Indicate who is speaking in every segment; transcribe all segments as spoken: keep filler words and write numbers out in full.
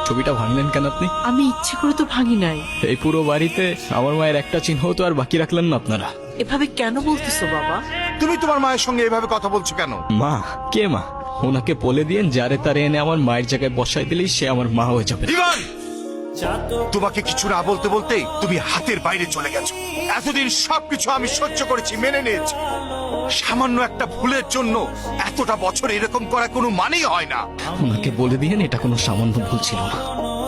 Speaker 1: ছবিটা ভাঙলেন কেন আপনি?
Speaker 2: আমি ইচ্ছে করে তো ভাঙি নাই।
Speaker 1: এই পুরো বাড়িতে আমার মায়ের একটা চিহ্ন তো আর বাকি রাখলেন না আপনারা।
Speaker 2: এভাবে কেন বলতেছো বাবা?
Speaker 3: তুমি তোমার মায়ের সঙ্গে এভাবে কথা বলছো কেন?
Speaker 1: মা? কে মা? ওনাকে বলে দিয়েন যারে তারে এনে আমার মায়ের জায়গায় বসাই দিলেই সে আমার মা হয়ে যাবে।
Speaker 3: ইভান, তোমাকে কিছু না বলতে বলতেই তুমি হাতের বাইরে চলে গেছো। এতদিন সবকিছু আমি সহ্য করেছি, মেনে নিয়েছি। সামান্য একটা ভুলের জন্য এতটা বছর এরকম করা কোনো মানেই হয় না।
Speaker 1: ওনাকে বলে দিয়েন এটা কোনো সামান্য ভুল ছিল না।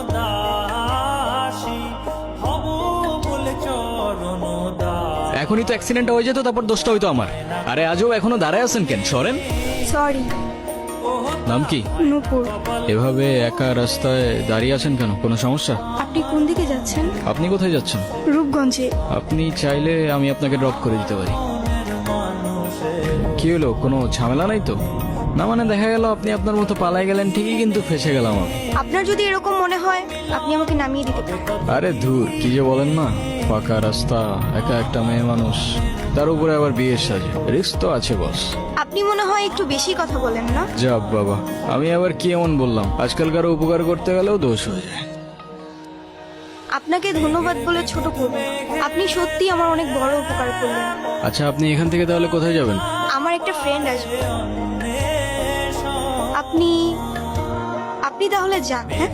Speaker 1: এখনই তো অ্যাক্সিডেন্ট হয়ে যেত, তারপর দোষটা হইতো আমার। আরে আজও এখনো দাঁড়ায় আছেন কেন? সরেন।
Speaker 4: সরি।
Speaker 1: নাম কি?
Speaker 4: নূপুর।
Speaker 1: এভাবে একা রাস্তায় দাঁড়িয়ে আছেন কেন? কোনো সমস্যা?
Speaker 4: আপনি কোন দিকে যাচ্ছেন?
Speaker 1: আপনি কোথায় যাচ্ছেন?
Speaker 4: রূপগঞ্জে।
Speaker 1: আপনি চাইলে আমি আপনাকে ড্রপ করে দিতে পারি। কি হলো, কোনো ঝামেলা নাই তো? না মানে দেখা গেল আপনি আপনার মতো পালাই গেলেন ঠিকই, কিন্তু ফেসে গেলাম আমি।
Speaker 4: আপনার যদি এরকম মনে হয় আপনি আমাকে নামিয়ে দিতে পারেন।
Speaker 1: আরে ধুর, কি যে বলেন না। ফাঁকা রাস্তা, একা একটা মেয়ে মানুষ, তার উপরে আবার বিয়ের সাজে, রিস্ক তো আছে বস।
Speaker 4: আপনি মনে হয় একটু বেশি কথা বলেন না?
Speaker 1: যাব বাবা, আমি আবার কি এমন বললাম? আজকালকার উপকার করতে গেলেও দোষ হয়ে যায়।
Speaker 4: আপনাকে ধন্যবাদ বলে ছোট করব না। আপনি সত্যি আমার অনেক বড় উপকার করলেন।
Speaker 1: আচ্ছা, আপনি এখান থেকে তাহলে কোথায় যাবেন?
Speaker 4: আমার একটা ফ্রেন্ড আসবে। আপনি আপনি তাহলে যান। হ্যাঁ,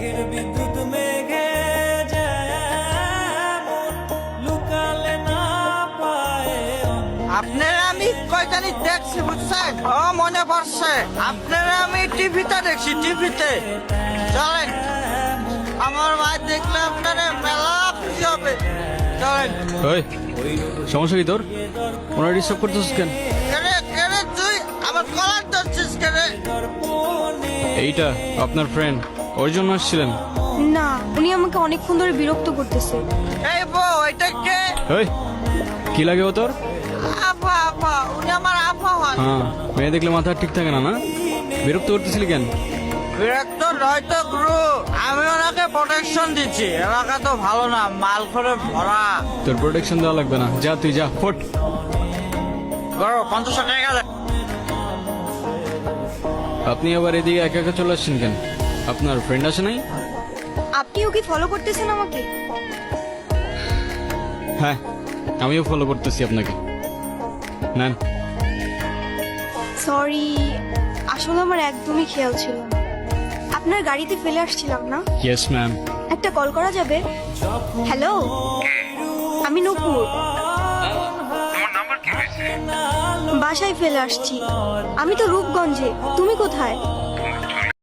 Speaker 5: আপনারা আমি কয়টানি দেখছি বুঝছেন? ও মনে পড়ছে, আপনারা আমি টিভিতে দেখছি, টিভিতে। চলেন, আমার ভাই দেখলে আপনারা মেলা খুশি হবে। চলেন।
Speaker 1: ওই, সমস্যা কি তোর? ওনার ডিস্টার্ব করতেছিস কেন?
Speaker 5: কেরে কেরে তুই আমার কলার ধরছিস কেরে?
Speaker 1: এইটা আপনার ফ্রেন্ড, ওর জন্য আসছিলেন?
Speaker 4: না, উনি আমাকে অনেকক্ষণ ধরে বিরক্ত করতেছে।
Speaker 5: এই বউ, এটা কে?
Speaker 1: ওই, কি লাগে ও তোর?
Speaker 5: আপা, আপা, উনি আমার আপা হয়।
Speaker 1: হ্যাঁ, মেয়ে দেখলে মাথা ঠিক থাকে না না? বিরক্ত করতেছিলি কেন?
Speaker 5: বিরক্ত নয় তো গুরু, আমি ওনাকে প্রোটেকশন দিচ্ছি। এলাকা তো ভালো না, মাল করে ভরা।
Speaker 1: তোর প্রোটেকশন দেওয়া লাগবে না, যা তুই যা, ফট।
Speaker 5: গরো পঞ্চাশ টাকা গেলে।
Speaker 1: আপনি আবার এদিকে একা একা চলে আসছেন কেন? আপনার ফ্রেন্ড আছে নাই?
Speaker 4: আপনিও কি ফলো করতেছেন আমাকে?
Speaker 1: হ্যাঁ, আমিও ফলো করতেছি আপনাকে। নেন।
Speaker 4: সরি, আসলে আমার একদমই খেয়াল ছিল না। আপনার গাড়িতে ফেলে আসছিলাম না?
Speaker 1: Yes ma'am.
Speaker 4: একটা কল করা যাবে? হ্যালো, আমি নূপুর। বাসায় ফেলে আসছি। আমি তো রূপগঞ্জে। তুমি কোথায়?